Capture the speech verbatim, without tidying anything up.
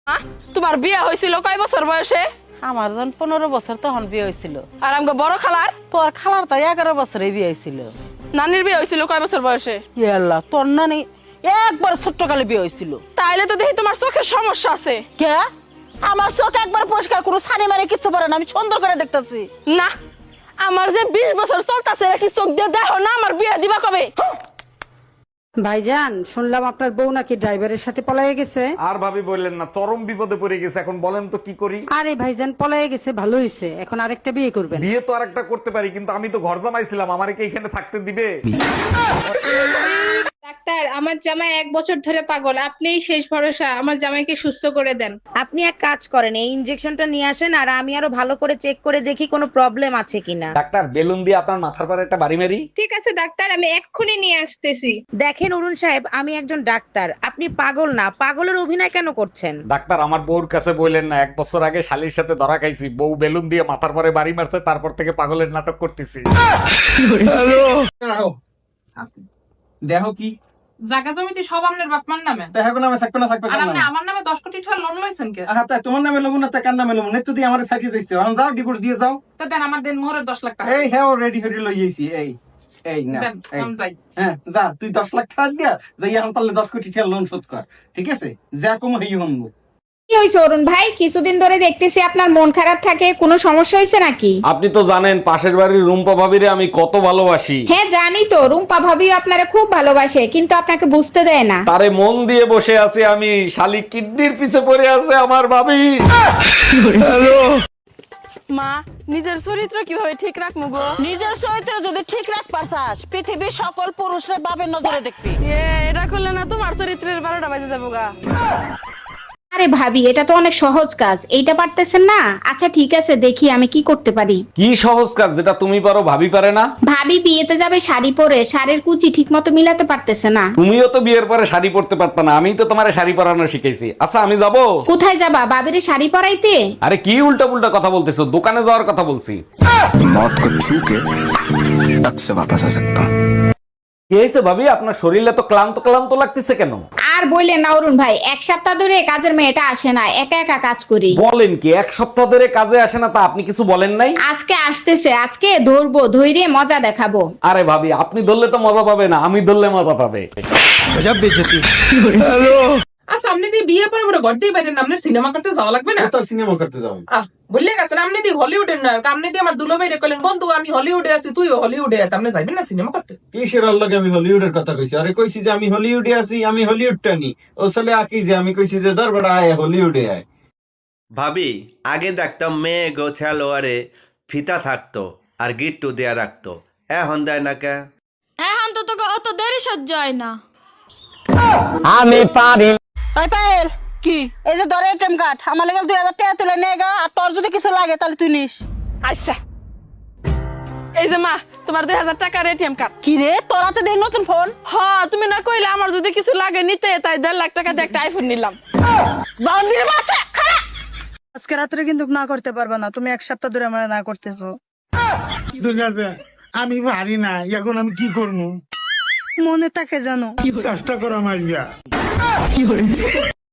হ্যাঁ? তোমার বিয়ে হয়েছিল কয় বছর বয়সে? আমার যখন পনেরো বছর তখন বিয়ে হয়েছিল। আর আমাকে বড় খালার? তোর খালার তো এগারো বছরে বিয়ে হয়েছিল। নানির বিয়ে হয়েছিল কয় বছর বয়সে? ইয়াল্লা, তোর নানি একবার ছোট্ট কালে বিয়ে হয়েছিল। তাইলে তো দেখি তোমার চোখের সমস্যা আছে। কে? আমার চোখ একবার পরিষ্কার কোনো ছানি মারে কিচ্ছু পারে না, আমি সুন্দর করে দেখতেছি। না, আমার যে বিশ বছর চলতেছে কি চোখ দিয়ে দেখো না আমার বিয়ে দিবা কবে? ভাইজান, শুনলাম আপনার বউ নাকি ড্রাইভারের সাথে পলায়ে গেছে। আর ভাবি বললেন না, চরম বিপদে পড়ে গেছে। এখন বলেন তো কি করি? আরে ভাইজান, পলায়ে গেছে ভালো হয়েছে, এখন আরেকটা বিয়ে করবেন। বিয়ে তো আরেকটা করতে পারি, কিন্তু আমি তো ঘর জামাইছিলাম, আমারে কি এখানে থাকতে দিবে? ডাক্তার, আমার জামাই এক বছর ধরে পাগল, আপনিই শেষ ভরসা, আমার জামাইকে সুস্থ করে দেন। আপনি এক কাজ করেন, এই ইনজেকশনটা নিয়ে আসেন আর আমি আরো ভালো করে চেক করে দেখি কোনো প্রবলেম আছে কিনা। ডাক্তার, বেলুন দিয়ে আপনার মাথার পরে একটা বাড়ি মারি। ঠিক আছে ডাক্তার, আমি এক্ষুনি নিয়ে আসতেছি। দেখেন অরুণ সাহেব, আমি একজন ডাক্তার, আপনি পাগল না, পাগলের অভিনয় কেন করছেন? ডাক্তার, আমার বউর কাছে বললেন না, এক বছর আগে শালির সাথে ধরা খাইছি, বউ বেলুন দিয়ে মাথার পরে বাড়ি মারছে, তারপর থেকে পাগলের নাটক করতেছি। দেখো কি জায়গা জমিতে সব আপনার বাপমার নামে, দেখো নামে থাকবে না থাকবে আর আপনি আমার নামে দশ কোটি টাকা লোন লইছেন কে? আহা তাই তোমার নামে লগুন না তাই কার নামে লগুন নেত্য দিয়ে আমারে সাইকে যাইছে এখন যাও ডিভোর্স দিয়ে যাও। তা দেন আমার দেন মোহরের দশ লাখ টাকা এই হ্যাঁ রেডি হয়ে লই যাইছি এই এই না দেন, এই, আমি যাই। হ্যাঁ যা তুই দশ লাখ টাকা দিয়া যাই এখন পারলে দশ কোটি টাকা লোন শোধ কর, ঠিক আছে? যা কম হই হনবো। কি হয়েছে অরুণ ভাই? কিছুদিন ধরে দেখতেছি আপনার মন খারাপ থাকে, কোনো সমস্যা হয়েছে নাকি? আপনি তো জানেন পাশের বাড়ির রুম্পা ভাবিরে আমি কত ভালোবাসি। হ্যাঁ জানি তো, রুম্পা ভাবি আপনারা খুব ভালোবাসে, কিন্তু আপনাকে বুঝতে দেয় না। তারে মন দিয়ে বসে আছি আমি, শালি কিডনির পিছে পড়ে আছে আমার ভাবি। মা, নিজের চরিত্র কিভাবে ঠিক রাখবো গো? নিজের চরিত্র যদি ঠিক রাখবার চাস, পৃথিবীর সকল পুরুষের বাবের নজরে দেখবি। এ, এটা করলে না তোমার চরিত্রের বারোটা বাজে যাবো গা। আরে ভাবি, এটা তো অনেক সহজ কাজ, এইটা পারতেছেন না? আচ্ছা ঠিক আছে, দেখি আমি কি করতে পারি। কি সহজ কাজ যেটা তুমি পারো ভাবি পারে না? ভাবি বিয়েতে যাবে শাড়ি পরে, শাড়ির কুচি ঠিক মতো মিলাতে পারতেছে না। তুমিও তো বিয়ের পরে শাড়ি পরতে পারত না, আমি তো তোমারে শাড়ি পরানো শিখাইছি। আচ্ছা আমি যাব। কোথায় যাবা? বাবিরে শাড়ি পরাইতে? আরে কি উল্টা পুল্টা কথা বলতেছো, দোকানে যাওয়ার কথা বলছি। मौत को छू के टक से वापस आ सकता हूँ। কি হয়েছে ভাবি, আপনার শরীরে তো ক্লান্ত ক্লান্ত লাগতেছে কেন? আর বললেন না অরুণ ভাই, এক সপ্তাহ ধরে কাজের মেয়েটা আসে না, একা একা কাজ করি। বলেন কি, এক সপ্তাহ ধরে কাজে আসে না? তা আপনি কিছু বলেন নাই? আজকে আসতেছে, আজকে ধরবো, ধৈর্য মজা দেখাবো। আরে ভাবি, আপনি ধরলে তো মজা পাবে না, আমি ধরলে মজা পাবে। আচ্ছা, আপনি দিয়ে বিয়ের পরে বড় ঘর দিয়ে বাইরে আপনার সিনেমা করতে যাওয়া লাগবে না? তো সিনেমা করতে যাও। আহ বললে গেছেন আপনি দিয়ে হলিউডের নায়ক, আপনি দিয়ে আমার দুলো বাইরে কইলেন বন্ধু আমি হলিউডে আছি, তুইও হলিউডে আছিস, আপনি যাইবেন না সিনেমা করতে? কিসের আল্লাহকে আমি হলিউডের কথা কইছি? আরে কইছি যে আমি হলিউডে আছি, আমি হলিউডটা নি। ও সালে আকি যে আমি কইছি যে দরবারে আয় হলিউডে আয়। ভাবি, আগে দেখতাম মেয়ে গোছালোয়ারে ফিতা থাকতো আর গিট্টু দেয়া রাখতো, এখন দেয় না কে? এখন তো তোকে অত দেরি সহ্য হয় না। আমি পারি তাই পায়েল, কি? এই যে ধরে এটিএম কার্ড, আমার লেগে দুই হাজার টাকা তুলে নিয়ে গা, আর তোর যদি কিছু লাগে তাহলে তুই নিস। আচ্ছা, এই যে মা, তোমার দুই হাজার টাকার এটিএম কার্ড। কি রে, তোর হাতে দেই নতুন ফোন? হ, তুমি না কইলে আমার যদি কিছু লাগে নিতে, তাই দেড় লাখ টাকা দিয়ে একটা আইফোন নিলাম। বান্দির বাচ্চা, খারাপ। আজকে রাত্রে কিন্তু না করতে পারবে না, তুমি এক সপ্তাহ ধরে আমার না করতেছো। আমি পারি না, এখন আমি কি করবো? মনে থাকে জানো। চেষ্টা করো আমার